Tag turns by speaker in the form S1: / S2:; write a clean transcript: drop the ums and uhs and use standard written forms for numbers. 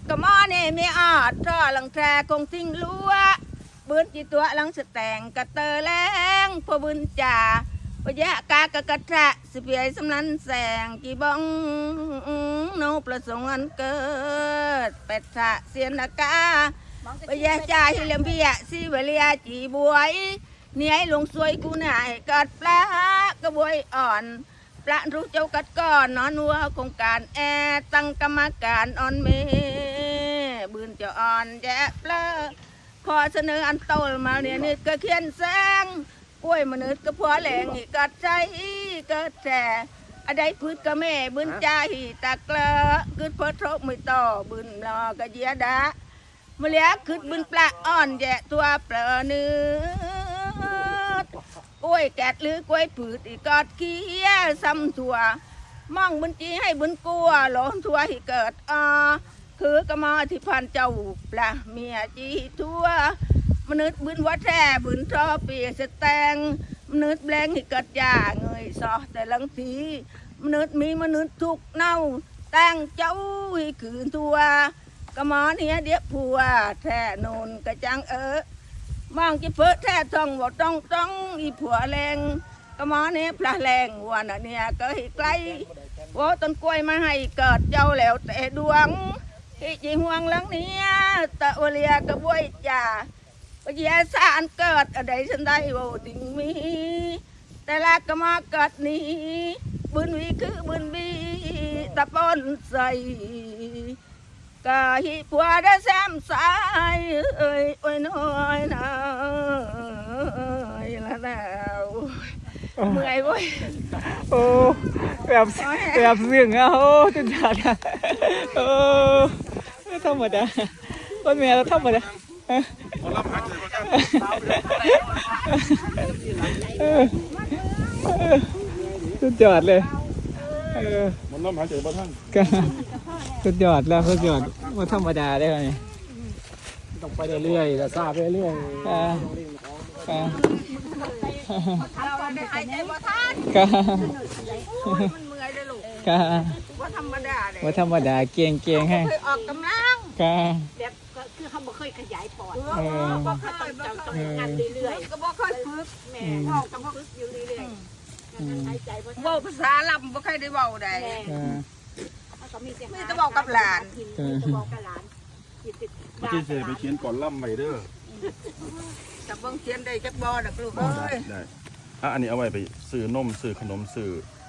S1: กมอนี่มีออดท่อหลังแทรคงทิ้งลัวบืนจีตัวหลังสแต่งกระเตอแรงพอบืนจ่าปะยะกากะกะทะสิเปียสำนันแสงกี่บ้องโนประสงค์อันเกิดเป็ดทะเสียนอากาปะยะจ่าฮิเลมพิยะสิเวลียจีบวยเนี่ยลงสวยกูนายกัดปลากระบวยอ่อนปลารู้เจ้ากัดก้อนนอนวัวโครงการตั้งกรรมการอ่อนเมบืนเจ้าอ่อนแย่ปลาขอเสนออันโตมาเนี่ยนี่ก็เขียนแสงกล้วยมนุษย์ก็พอแหลงอีกกัดใจก็แต่อะไรพืชก็แม่บืนใจตะเกลอกึดพอทบไม่ต่อบืนรอกระเยียดาเมื่อเลี้ยขึ้นบืนปลาอ่อนแย่ตัวเปลือเนื้อกล้วยแกดหรือกล้วยผืดอีกอดเกี้ยซ้ำถั่วมองบุญจีให้บุญกลัวหลงถั่วให้เกิดคือกระมอที่พันเจ้าปลาเมียจีทั่วมนุษย์บุญวัดแท้บุญทอเปียสแตงมนุษย์แบงให้เกิดยาเงยซอแต่ลังสีมนุษย์มีมนุษย์ทุกเน่าแต่งเจ้าให้ขืนทั่วกระมอเนี่ยเดียผัวแท้นนกระจังมองจะเพิ่แท้ท่องว่าต้องอีผัวแรงกระมอเนี่ยพระแรงวันเนี่ยก็ให้ไกลว่าต้นกล้วยมาให้เกิดเจ้าแล้วแต่ดวงที่จีห่วงหลังนี้ตะวเลียกระบวยจ่าปะเยาสานเกิดอะไรฉันได้บ่ติงมีแต่ละกระมอเกิดนี้บุญวีคือบุญบีตะปนใส่กะหิผัวได้แซมสายเอ้ยโอ้ยน้อยนะละแล้วเมื่อยเว้ย
S2: โอ้แบบเสียงอ่ะโอ้จุดยอดอ่ะโอ้ธรรมดาคนเมียเราธรรมดาสุดยอดเลย
S3: มันน้ำหายใจบ่ท่าน
S2: สุดยอดแล้วสุดยอดว่าธรรมดาได้ไหม
S3: ต้องไปเรื่อยๆแล้วทราบไปเรื่อย
S1: เราได้หายใจบ่ทันมันเมื่อยเลยลูกว่าธรรมดาเลย
S2: ว่าธรรมดาเก่งให้
S1: เคยออกกำลัง
S4: แบบคือเขาบ่เคยขยายปอด
S1: บ่เคย
S4: ต้องงานเรื่อย
S1: ๆก็บ่เคยฝึก
S4: แม่พ่อก็บ่ฝึกอยู่เรื่อยๆหายใจบ่ทัน
S1: เว้าภาษาลำบ่เคยได้เว้าได้
S4: ก็มี
S1: แต่บอกกับหลาน
S4: บอกกับหลาน
S3: ที่เสไปเขียนก่อนล่ำใหม่เด้อ
S1: แต่เบิ่งเขียนได้จักบ่ดอกลูกเอ้ย
S3: ได้อันนี้เอาไว้ไปซื้อนมซื้อขนมซื้อ